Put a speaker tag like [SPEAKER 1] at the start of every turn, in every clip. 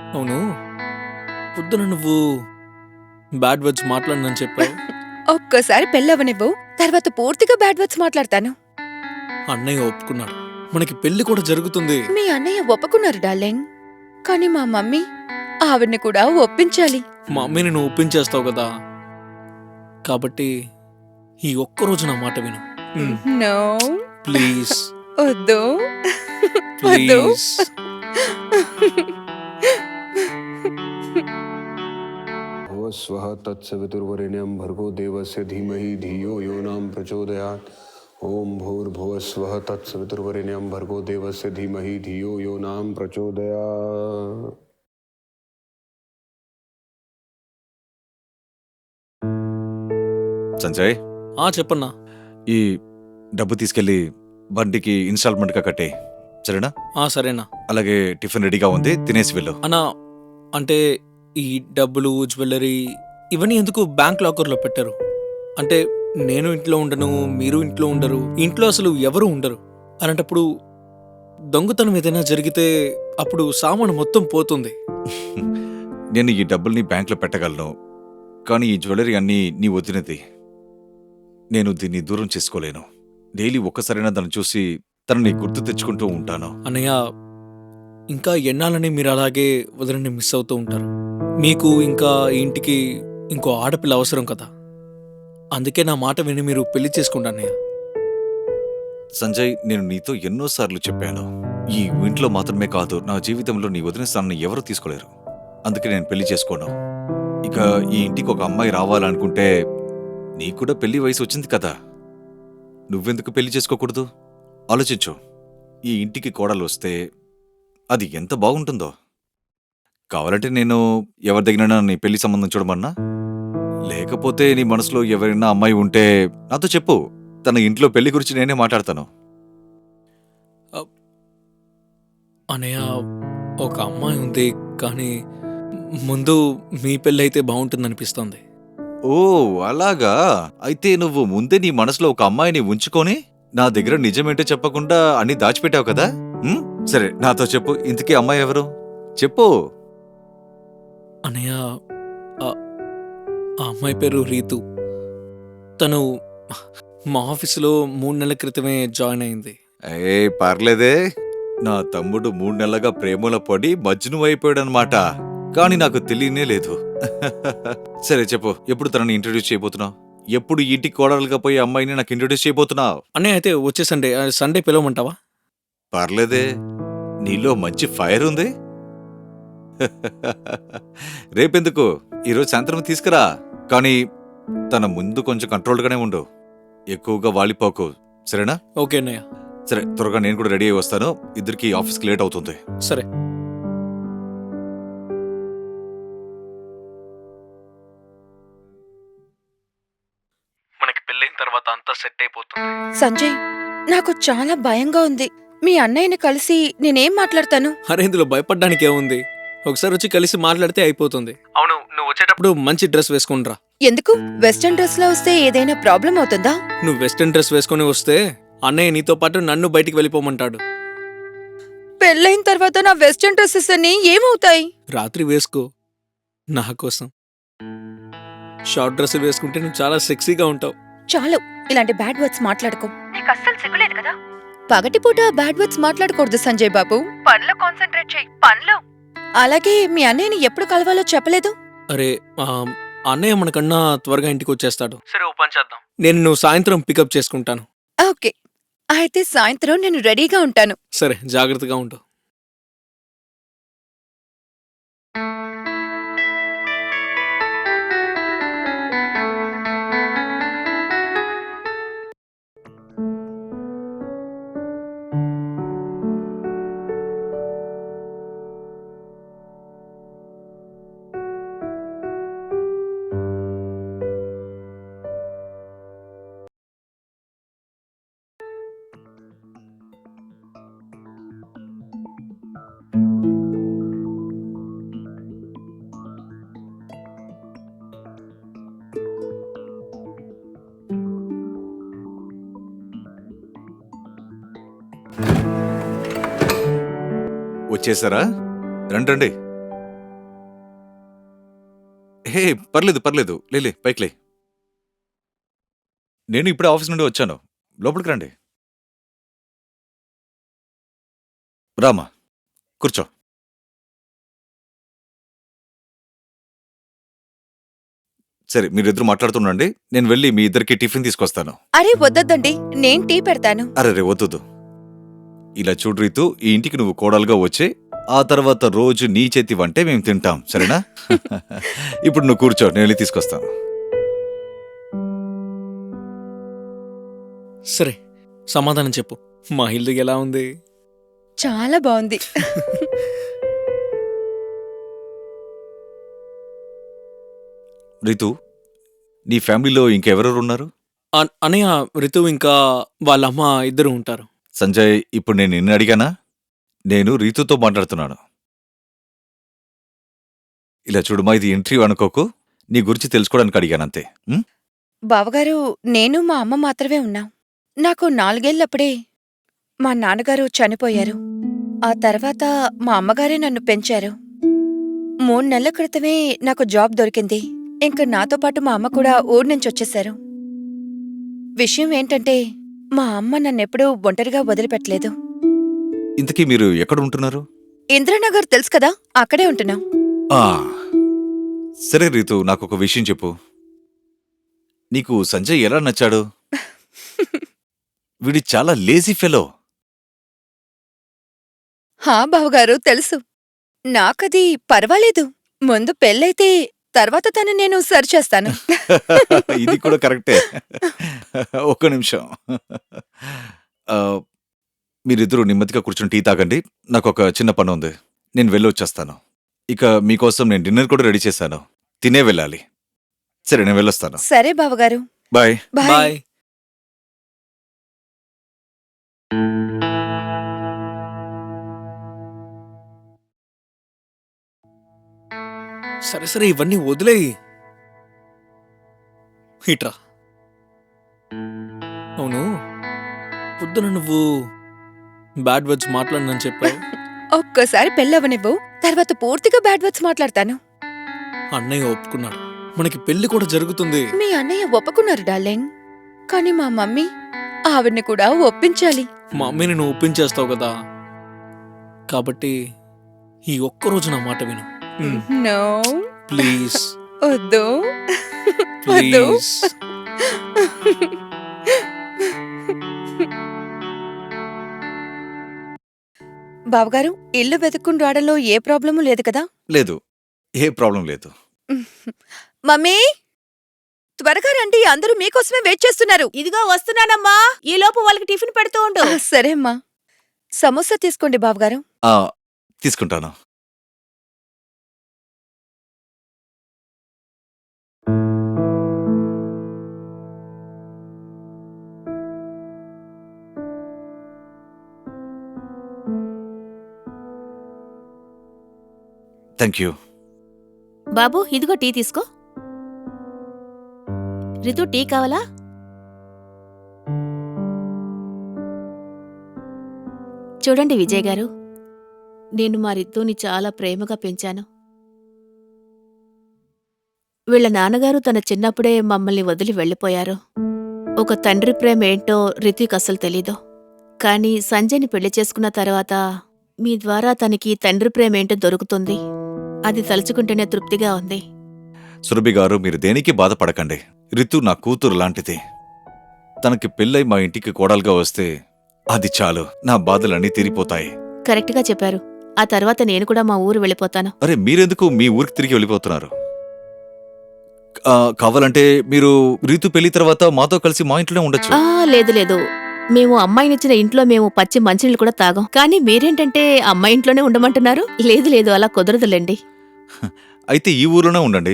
[SPEAKER 1] అవును, పొద్దున నువ్వు బ్యాడ్ వర్డ్స్ మాట్లాడనని చెప్పావు.
[SPEAKER 2] ఒక్కోసారి పెళ్ళవనివ్వు, తర్వాత పూర్తిగా బ్యాడ్ వర్డ్స్ మాట్లాడతాను.
[SPEAKER 1] అన్నయ్య ఒప్పుకున్నాడు, మనకి పెళ్లి కూడా జరుగుతుంది.
[SPEAKER 2] మీ అన్నయ్య ఒప్పుకున్నారు డార్లింగ్, కానీ మా మమ్మీ ఆవిడ్ని కూడా ఒప్పించాలి.
[SPEAKER 1] మా అమ్మని నువ్వు ఒప్పించేస్తావు కదా, కాబట్టి ఈ ఒక్కరోజు నా మాట విను.
[SPEAKER 2] నో,
[SPEAKER 1] ప్లీజ్
[SPEAKER 2] వద్దు వద్దు.
[SPEAKER 1] ప్లీజ్.
[SPEAKER 3] स्वः तत्सवितुर्वरेण्यं भर्गो देवस्य धीमहि धियो यो नाम प्रचोदयात्। ओम भूर्भुवः स्वः तत्सवितुर्वरेण्यं भर्गो देवस्य धीमहि धियो यो नाम प्रचोदयात्।
[SPEAKER 4] సంజయ్,
[SPEAKER 1] చెప్పన్నా.
[SPEAKER 4] ఈ డబ్బు తీసుకెళ్లి బండికి ఇన్స్టాల్మెంట్ గా కట్టే, సరేనా?
[SPEAKER 1] సరేనా.
[SPEAKER 4] అలాగే టిఫిన్ రెడీగా ఉంది, తినేసి వెళ్ళు.
[SPEAKER 1] అన్నా, అంటే ఈ డబ్బులు, జ్యువెలరీ ఇవన్నీ ఎందుకు బ్యాంక్ లాకర్లో పెట్టారు? అంటే నేను ఇంట్లో ఉండను, మీరు ఇంట్లో ఉండరు, ఇంట్లో అసలు ఎవరు ఉండరు. అలాంటప్పుడు దొంగతనం ఏదైనా జరిగితే అప్పుడు సామాను మొత్తం పోతుంది.
[SPEAKER 4] నేను ఈ డబ్బుల్ని బ్యాంక్లో పెట్టగలను, కానీ ఈ జ్యువెలరీ అన్నీ నీ వదినది. నేను దీన్ని దూరం చేసుకోలేను. డైలీ ఒక్కసారైనా దాన్ని చూసి తనని గుర్తు తెచ్చుకుంటూ ఉంటాను.
[SPEAKER 1] అన్నయ్య, ఇంకా ఎన్నాళ్ళని మీరు అలాగే వదిలిని మిస్ అవుతూ ఉంటారు? మీకు ఇంకా ఈ ఇంటికి ఇంకో ఆడపిల్ల అవసరం కదా, అందుకే నా మాట విని మీరు పెళ్లి చేసుకోండి అన్నయ్య.
[SPEAKER 4] సంజయ్, నేను నీతో ఎన్నోసార్లు చెప్పాను, ఈ ఇంట్లో మాత్రమే కాదు, నా జీవితంలో నీ వదిన స్థానాన్ని ఎవరూ తీసుకోలేరు. అందుకే నేను పెళ్లి చేసుకోను. ఇక ఈ ఇంటికి ఒక అమ్మాయి రావాలనుకుంటే నీకు కూడా పెళ్లి వయసు వచ్చింది కదా, నువ్వెందుకు పెళ్లి చేసుకోకూడదు? ఆలోచించు. ఈ ఇంటికి కోడలు వస్తే అది ఎంత బాగుంటుందో. కావాలంటే నేను ఎవరి దగ్గరైనా నీ పెళ్లి సంబంధం చూడమన్నా, లేకపోతే నీ మనసులో ఎవరైనా అమ్మాయి ఉంటే నాతో చెప్పు, తన ఇంట్లో పెళ్లి గురించి నేనే మాట్లాడతాను.
[SPEAKER 1] అన్నయ్య, ఒక అమ్మాయి ఉంది, కానీ ముందు మీ పెళ్ళి అయితే బాగుంటుందనిపిస్తోంది.
[SPEAKER 4] ఓ అలాగా, అయితే నువ్వు ముందే నీ మనసులో ఒక అమ్మాయిని ఉంచుకొని నా దగ్గర నిజమేంటో చెప్పకుండా అన్ని దాచిపెట్టావు కదా. సరే, నాతో చెప్పు, ఇంతకీ అమ్మాయి ఎవరు? చెప్పు.
[SPEAKER 1] అన్నయ్య, ఆ అమ్మాయి పేరు రీతు. తను మా ఆఫీసులో 3 నెలల క్రితమే జాయిన్ అయింది.
[SPEAKER 4] పర్లేదే, నా తమ్ముడు 3 నెలలుగా ప్రేమలో పడి మజ్ను అయిపోయాడనమాట, కానీ నాకు తెలియనే లేదు. సరే చెప్పు, ఎప్పుడు తనని ఇంట్రడ్యూస్ చేయబోతున్నావు? ఎప్పుడు ఇంటికి కోడలుగా పోయి అమ్మాయిని నాకు ఇంట్రడ్యూస్ చేయబోతున్నావు?
[SPEAKER 1] అన్నయ్య, అయితే వచ్చే సండే పిలవమంటావా?
[SPEAKER 4] పర్లేదే, నీలో మంచి ఫైర్ ఉంది. రేపెందుకు, ఈరోజు సాయంత్రం తీసుకురా, కానీ తన ముందు కొంచెం కంట్రోల్గానే ఉండు, ఎక్కువగా వాలిపోకు, సరేనా?
[SPEAKER 1] ఓకే అన్నయ్య.
[SPEAKER 4] సరే, త్వరగా నేను కూడా రెడీ అయి వస్తాను, ఇద్దరికి ఆఫీస్కి లేట్ అవుతుంది.
[SPEAKER 1] సరే. మనకి పెళ్ళైన తర్వాత అంతా సెట్ అయిపోతుంది.
[SPEAKER 2] సంజయ్, నాకు చాలా భయంగా ఉంది. మీ అన్నయ్యని కలిసి నేనేం మాట్లాడతాను?
[SPEAKER 1] అరే, ఇందులో భయపడ్డానికి ఏముంది? ఒకసారి వచ్చి కలిసి మాట్లాడితే అయిపోతుంది. అవును, నువ్వు వచ్చేటప్పుడు మంచి డ్రెస్ వేసుకునిరా.
[SPEAKER 2] ఎందుకు? వెస్టర్న్ డ్రెస్ లో వస్తే ఏదైనా ప్రాబ్లం అవుతుందా?
[SPEAKER 1] నువ్వు వెస్టర్న్ డ్రెస్ వేసుకుని వస్తే అన్నయ్య నీతో పాటు నన్ను బయటికి వెళ్ళిపోమంటాడు.
[SPEAKER 2] పెళ్ళైన తర్వాత నా వెస్టర్న్ డ్రెస్సెస్ అన్ని ఏమవుతాయి?
[SPEAKER 1] రాత్రి వేసుకో, నా కోసం. షార్ట్ డ్రెస్ వేసుకుంటే నువ్వు చాలా సెక్సీగా ఉంటావు.
[SPEAKER 2] చాలు, ఇలాంటి బ్యాడ్ వర్డ్స్ మాట్లాడుకో. నీకు అస్సలు సిగ్గులేదు కదా? పగటిపూట బ్యాడ్ వర్డ్స్ మాట్లాడకూడదు సంజయ్ బాబు. పనిలో కాన్సంట్రేట్ చెయ్యి, పనిలో. అలాగే మీ అన్నయ్యని ఎప్పుడు కలవాలో చెప్పలేదు?
[SPEAKER 1] అరే, అన్నయ్య మనకన్నా త్వరగా ఇంటికి వచ్చేస్తాడు. సరే, ఓ పని చేద్దాం, నువ్వు సాయంత్రం పికప్ చేసుకుంటాను.
[SPEAKER 2] ఓకే, అయితే సాయంత్రం నేను రెడీగా ఉంటాను.
[SPEAKER 1] సరే, జాగ్రత్తగా ఉండు.
[SPEAKER 4] వచ్చేసారా? రండి. హే పర్లేదు పర్లేదు లేలే పైకిలే. నేను ఇప్పుడే ఆఫీస్ నుండి వచ్చాను. లోపలికి రండి. రామా కూర్చో. సరే మీరిద్దరు మాట్లాడుతుండండి. నేను వెళ్ళి మీ ఇద్దరికి టిఫిన్ తీసుకొస్తాను.
[SPEAKER 2] అరే వద్దొద్దండి, నేను టీ పెడతాను.
[SPEAKER 4] అరే రే వద్దు. ఇలా చూడు రీతు, ఈ ఇంటికి నువ్వు కోడలుగా వచ్చే ఆ తర్వాత రోజు నీ చేతి వంటే మేము తింటాం, సరేనా? ఇప్పుడు నువ్వు కూర్చో, నేను వెళ్ళి తీసుకొస్తాను.
[SPEAKER 1] సరే సమాధానం చెప్పు, మా ఇల్లు ఎలా ఉంది?
[SPEAKER 2] చాలా బాగుంది.
[SPEAKER 4] రీతు, నీ ఫ్యామిలీలో ఇంకెవరెవరు ఉన్నారు?
[SPEAKER 1] అనయ్య, రితు ఇంకా వాళ్ళమ్మ ఇద్దరు ఉంటారు.
[SPEAKER 4] సంజయ్, ఇప్పుడు నేను నిన్ను అడిగానా? నేను రీతుతో మాట్లాడుతున్నాను. ఇలా చూడుమా, ఇది ఇంటర్వ్యూ అనుకోకు. నీ గురించి తెలుసుకోవడానికి అడిగానంతే. ఉం?
[SPEAKER 2] బావగారు, నేను మా అమ్మ మాత్రమే ఉన్నాం. నాకు 4 ఏళ్లప్పుడే మా నాన్నగారు చనిపోయారు. ఆ తర్వాత మా అమ్మగారే నన్ను పెంచారు. 3 నెలల క్రితమే నాకు జాబ్ దొరికింది. ఇంక నాతో పాటు మా అమ్మ కూడా ఊరు నుంచి వచ్చేశారు. విషయం ఏంటంటే మా అమ్మ నన్నెప్పుడూ ఒంటరిగా వదిలిపెట్టలేదు.
[SPEAKER 4] ఇంతకీ మీరు ఎక్కడ ఉంటున్నారు?
[SPEAKER 2] ఇంద్రనగర్ తెలుసు కదా, అక్కడే ఉంటున్నాం.
[SPEAKER 4] ఆ, సరే రీతు, నాకొక విషయం చెప్పు. నీకు సంజయ్ ఎలా నచ్చాడు? వీడి చాలా లేజీ ఫెలో.
[SPEAKER 2] హా బావగారు, తెలుసు. నాకది పర్వాలేదు. ముందు పెళ్ళైతే తర్వాత తను నేను సరిచేస్తాను.
[SPEAKER 4] ఇది కూడా కరెక్టే. ఒక్క నిమిషం. ఆ, మీరిద్దరూ నెమ్మదిగా కూర్చొని టీ తాగండి. నాకొక చిన్న పని ఉంది, నేను వెళ్ళొచ్చేస్తాను. ఇక మీకోసం నేను డిన్నర్ కూడా రెడీ చేశాను, తినే వెళ్ళాలి. సరే నేను వెళ్ళొస్తాను.
[SPEAKER 2] సరే బావగారు,
[SPEAKER 4] బాయ్.
[SPEAKER 2] బాయ్.
[SPEAKER 1] బాయ్. సరే సరే, ఇవన్నీ వదిలేయి. ఇట్రా. అవును, పొద్దున నువ్వు బ్యాడ్ వర్డ్స్ మాట్లాడనని చెప్పావు.
[SPEAKER 2] ఒక్కోసారి పెళ్ళవనివ్వు, తర్వాత పూర్తిగా బ్యాడ్ వర్డ్స్ మాట్లాడతాను.
[SPEAKER 1] అన్నయ్య ఒప్పుకున్నాడు, మనకి పెళ్లి కూడా జరుగుతుంది.
[SPEAKER 2] మీ అన్నయ్య ఒప్పుకున్నారు డార్లింగ్, కానీ మా మమ్మీ ఆవిడ్ని కూడా ఒప్పించాలి.
[SPEAKER 1] మా అమ్మని నువ్వు ఒప్పించేస్తావు కదా, కాబట్టి ఈ ఒక్కరోజు నా మాట విను.
[SPEAKER 2] నో,
[SPEAKER 1] ప్లీజ్
[SPEAKER 2] వద్దు వద్దు.
[SPEAKER 1] ప్లీజ్.
[SPEAKER 2] బావగారు, ఇల్లు వెతుక్కుని రావడంలో ఏ ప్రాబ్లము లేదు కదా?
[SPEAKER 4] లేదు, ఏ ప్రాబ్లం లేదు.
[SPEAKER 2] మమ్మీ, త్వరగా రండి, అందరూ మీకోసమే వెయిట్ చేస్తున్నారు.
[SPEAKER 5] ఇదిగో వస్తున్నానమ్మా. ఈ లోపు వాళ్ళకి టిఫిన్ పెడుతూ ఉండు.
[SPEAKER 2] సరే అమ్మా. సమోసా తీసుకోండి బావగారు.
[SPEAKER 4] ఆ, తీసుకుంటాను. Thank you.
[SPEAKER 5] బాబు, ఇదిగో టీ తీసుకో. రితు, టీ కావాలా? చూడండి విజయ్ గారు, నేను మా రితుని చాలా ప్రేమగా పెంచాను. వీళ్ళ నాన్నగారు తన చిన్నప్పుడే మమ్మల్ని వదిలి వెళ్ళిపోయారు. ఒక తండ్రి ప్రేమ ఏంటో రితుకి అసలు తెలీదు. కానీ సంజయ్ని పెళ్లి చేసుకున్న తర్వాత మీ ద్వారా తనకి తండ్రి ప్రేమ ఏంటో దొరుకుతుంది. అది తలుచుకుంటేనే తృప్తిగా ఉంది.
[SPEAKER 4] సురభి గారు, మీరు దేనికి బాధపడకండి. రితు నా కూతురు లాంటిది. తనకి పెళ్ళై మా ఇంటికి కోడలుగా వస్తే అది చాలు, నా బాధలన్నీ తీరిపోతాయి.
[SPEAKER 5] కరెక్ట్గా చెప్పారు. ఆ తర్వాత నేను కూడా మా ఊరు వెళ్ళిపోతాను.
[SPEAKER 4] అరే, మీరెందుకు మీ ఊరికి తిరిగి వెళ్ళిపోతున్నారు? కావాలంటే మీరు రీతు పెళ్లి తర్వాత మాతో కలిసి మా ఇంట్లోనే ఉండొచ్చు.
[SPEAKER 5] లేదు లేదు, మేము అమ్మాయినిచ్చిన ఇంట్లో మేము పచ్చి మంచినీళ్ళు కూడా తాగం. కానీ మీరేంటంటే అమ్మాయి ఇంట్లోనే ఉండమంటున్నారు. లేదు లేదు, అలా కుదరదులేండి.
[SPEAKER 4] అయితే ఈ ఊర్లోనే ఉండండి.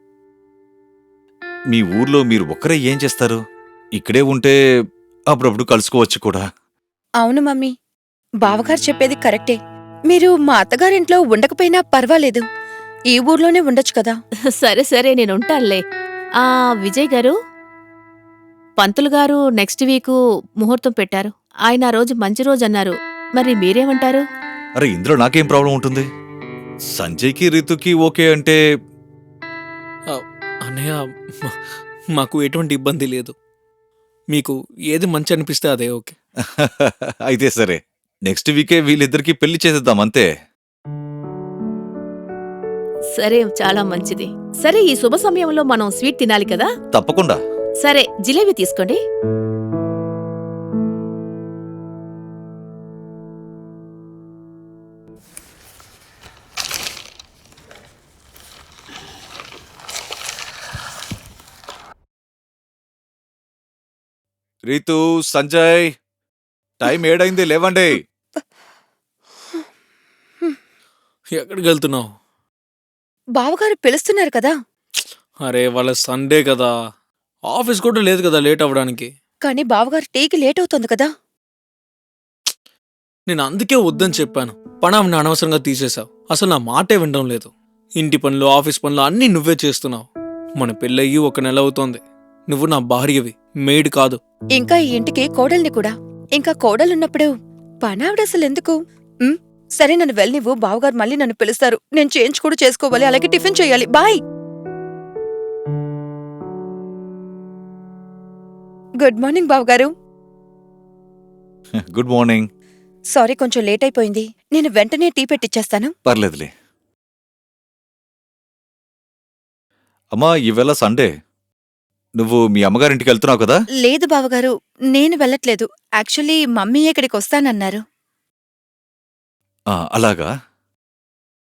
[SPEAKER 4] మీ ఊర్లో మీరు ఒక్కరే ఏం చేస్తారు? ఇక్కడే ఉంటే అప్పుడప్పుడు కలుసుకోవచ్చు కూడా.
[SPEAKER 2] అవును మమ్మీ, బావగారు చెప్పేది కరెక్టే. మీరు మా అత్తగారింట్లో ఉండకపోయినా పర్వాలేదు, ఈ ఊర్లోనే ఉండొచ్చు కదా.
[SPEAKER 5] సరే సరే, నేనుంటానులే. విజయ్ గారు, పంతులు గారు నెక్స్ట్ వీకు ముహూర్తం పెట్టారు. ఆయన ఆ రోజు మంచి రోజు అన్నారు. మరి మీరేమంటారు?
[SPEAKER 4] అరే, ఇందులో నాకేం ప్రాబ్లం ఉంటుంది? సంజయ్కి రీతుకి ఓకే అంటే
[SPEAKER 1] అన్నయ్య, మాకు ఎటువంటి ఇబ్బంది లేదు. మీకు ఏది మంచి అనిపిస్తే అదే ఓకే.
[SPEAKER 4] అయితే సరే, నెక్స్ట్ వీకే వీళ్ళిద్దరికి పెళ్లి చేసేద్దాం అంతే.
[SPEAKER 5] సరే, చాలా మంచిది. సరే, ఈ శుభ సమయంలో మనం స్వీట్ తినాలి కదా.
[SPEAKER 4] తప్పకుండా.
[SPEAKER 5] సరే, జిలేబీ తీసుకోండి.
[SPEAKER 4] రీతు, సంజయ్, టైం 7 లేవండి.
[SPEAKER 1] ఎక్కడికి వెళ్తున్నావు?
[SPEAKER 2] బావగారు పిలుస్తున్నారు కదా.
[SPEAKER 1] అరే వాళ్ళ సండే కదా, ఆఫీస్ కూడా లేదు కదా లేట్ అవ్వడానికి.
[SPEAKER 2] కానీ బావగారు టీకి లేట్ అవుతుంది కదా.
[SPEAKER 1] నేను అందుకే వద్దని చెప్పాను. పనాన్ని అనవసరంగా తీసేశావు. అసలు నా మాటే వినడం లేదు. ఇంటి పనులు, ఆఫీస్ పనులు అన్నీ నువ్వే చేస్తున్నావు. మన పెళ్ళయ్యి 1 నెల అవుతోంది. నువ్వు నా భార్యవి, మెయిడ్ కాదు.
[SPEAKER 2] ఇంకా ఈ ఇంటికి కోడల్ని కూడా. ఇంకా కోడలున్నప్పుడు పనావిడ అసలు ఎందుకు? సరే, నన్ను వెళ్ళనివ్వు. బావగారు మళ్ళీ నన్ను పిలుస్తారు. నేను చేంజ్ కూడా చేసుకోవాలి, అలాగే టిఫిన్ చేయాలి. బాయ్. గుడ్ మార్నింగ్ బావగారు.
[SPEAKER 4] Good morning.
[SPEAKER 2] సారీ, కొంచెం లేట్ అయిపోయింది. నేను వెంటనే టీ పెట్టిచ్చేస్తాను.
[SPEAKER 4] పర్లేదులే. అమ్మా, ఈవేళ సండే, నువ్వు మీ అమ్మగారింటికి వెళ్తున్నావు కదా?
[SPEAKER 2] లేదు బావగారు, నేను వెళ్ళట్లేదు. యాక్చువల్లీ మమ్మీ ఇక్కడికి వస్తానన్నారు.
[SPEAKER 4] అలాగా.